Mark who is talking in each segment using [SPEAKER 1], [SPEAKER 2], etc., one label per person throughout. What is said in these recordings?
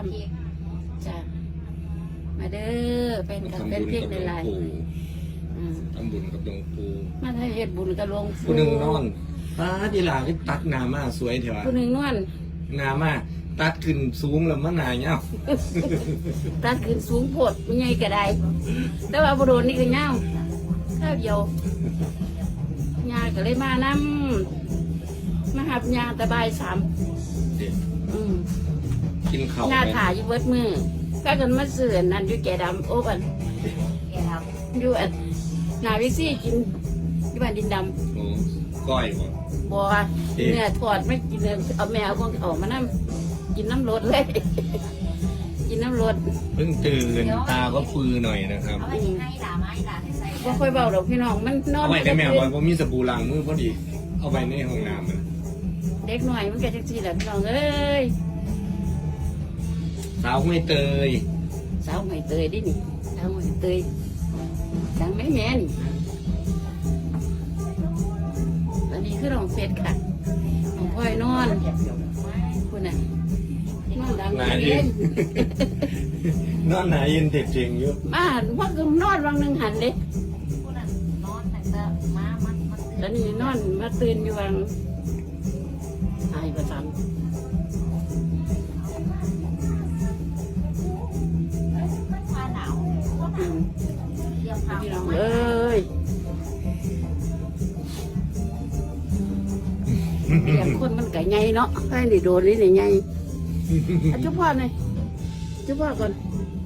[SPEAKER 1] จ้ะมาเด้อเป็นกับเป็นเพียงในไลน์
[SPEAKER 2] ทำบุญกับหลวงปู่
[SPEAKER 1] มาให้เฮ็ดบุญกับหลวงปู่
[SPEAKER 2] ผู้หนึ่งนอนดีหลาที่ตัดหนามาสวยเถอะ
[SPEAKER 1] ผู้หนึ่งนอน
[SPEAKER 2] หนามาตัดขึ้นสูงแล้วมันหนาเงา
[SPEAKER 1] ตัดขึ้นสูงโพดมันใหญ่ก็ได้แต่ว่าบ่โดนนี่ก็เงาข้าวเดียวญาก็เลยมานำมาหับญาตะบาย3
[SPEAKER 2] กินข้าว
[SPEAKER 1] ญาถ่ายอยู่เบิดมือก็กันมาเสื่อนั่นอยู่แก่ดำโอ้บันแก่ดำอยู่อันนาวิซี่กินที่บ้านดินด
[SPEAKER 2] ำโอ้ก้อยบ่
[SPEAKER 1] บัวเนื้อทอดไม่กินเลยเอาแมวของออกมานั่งกินน้ำรดเลยกินน้ำรด
[SPEAKER 2] เพิ่งตื่นตาก็ฟื้นหน่อยนะครับ
[SPEAKER 1] ก็ค่อยเบาดอกพี่น้องมันนอน
[SPEAKER 2] เอาไว้ในแมวไว้เพราะมีสบู่ล้างมือพอดีเอาไว้ในห้องน้ำมัน
[SPEAKER 1] เด็กหน่อยมันแก่จังซี่แหละพี่น้องเอ้ย
[SPEAKER 2] สาวไม่เตย
[SPEAKER 1] สาวไม่เตยดินี่สาวไม่เตยดังแม่แม่นี่ตอนนี้คือน้องเฟสค่ะน้องพ่อยนอนคุณน่ะนอนดังเย็น
[SPEAKER 2] นอนหนาเย็นเด็กเจ๋งเยอะ
[SPEAKER 1] มาว่าคือนอนวังหนึ่งหันเด็กแล้วนี่นอนมาตื่นอยู่วังหายประจำพี่น้องเอ้ยอย่างคนมันไก่ไงเนาะให้หนีโดนนี่หนีไงจุ๊บพ่อหน่อยจุ๊บพ่อก่อน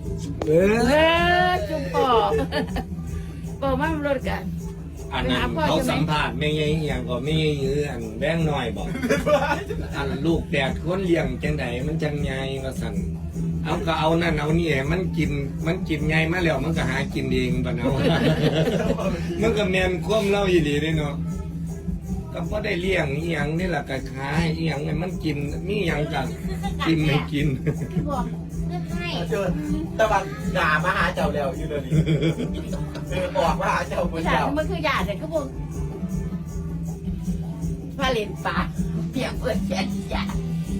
[SPEAKER 1] จุ๊บพ่อพ่อมารถกัน
[SPEAKER 2] อันนั้นเขาสัมผัสไม่ไงอย่างก็ไม่ยื้ออันแบงหน่อยบอกอันลูกแดดคนเลี้ยงจังไหนมันจังไงก็สั่นเอาก็เอานั่นเอานี่มันกินไงมาแล้วมันก็หากินเองปะเนาะมันก็แมนคว่ำเล่าอีหลีเลยเนาะก็พอได้เลี้ยงอีหยังนี่แหละก็ขายอีหยังไงมันกินมีหยังกันกินไม่กิน
[SPEAKER 3] เชิญตะวันด่ามาหาเจ้าแล้วอยู่เลยบอกว่าเจ้าคนเจ้า
[SPEAKER 1] มันคือหยาดเลยก็บอกพาเลนปลาเปียกเปิดแขนหยาด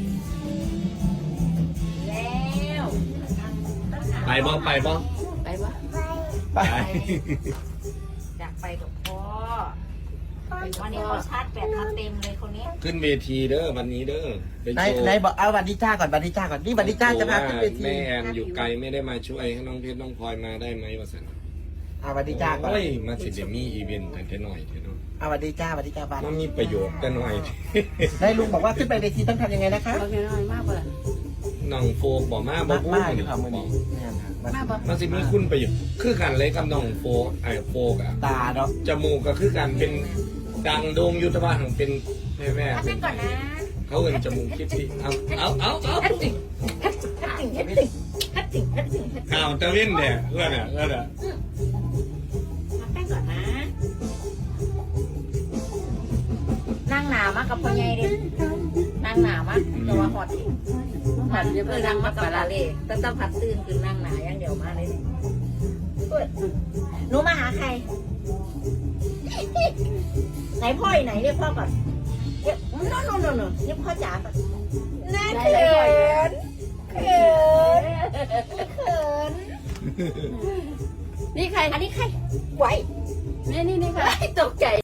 [SPEAKER 1] แล้ว
[SPEAKER 2] ไปบ่
[SPEAKER 1] ไปบ่
[SPEAKER 2] ไป
[SPEAKER 1] อยากไปกับพ่อวันนี้เขาชาร์จแบตมาเต็มเลยคนนี้
[SPEAKER 2] ขึ้นเวทีเด้อวันนี้เด้อ
[SPEAKER 3] ไหนบอกเอาวันดิจ้าก่อนวันดิจ้าก่อนนี่วันดิจ้าจะพาขึ้นเวที
[SPEAKER 2] แม่แอนอยู่ไกลไม่ได้มาช่วยให้น้องเพชรน้องพลอยมาได้ไหมวะสัน
[SPEAKER 3] เอาวันดิจ้าก่อน
[SPEAKER 2] มาสิเดี๋ยวมีอีเวนต์แต่แค่หน่อยเท่านั้น
[SPEAKER 3] เอาวันดิจ้าวันดิจ้าบ้าน
[SPEAKER 2] มันมีประโยชน์แต่หน่อย
[SPEAKER 3] ได้ลุงบอกว่าขึ้นไปเวทีต้องทำยังไงนะคะ
[SPEAKER 1] น้อยมากเลย
[SPEAKER 2] น้องโฟกบอกมาบอกพูด
[SPEAKER 3] อยู่ครับมือนี้
[SPEAKER 2] มันสิมีคุณประโยชน์คือกันเลยกับน้องโฟกโฟกอะ
[SPEAKER 3] ตาเนาะ
[SPEAKER 2] จมูกก็คือกันเป็นดังโด่งยุทธภาของเป็นแม่
[SPEAKER 1] ก่อนนะ
[SPEAKER 2] เขาเอินจมูกคิดที่เอาข่าวตะวินเนี่ยเพื่อน
[SPEAKER 1] แป้งก่อนนะนั่งหนามากกับพ่อใหญ่ดินั่งหนามากแต่ว่าหอดเพื่อนั่งมากกับลาเล่ต้องพัดตื่นคือนั่งหนาอย่างเดียวมาเลยหนูมาหาใครไหนพ่อไหนเรียกพ่อก่อนเรียกโน่เรียกพ่อจ๋าก่อนน่าเขินนี่ใครอันนี้ใครไหวนี่ใครตกใจ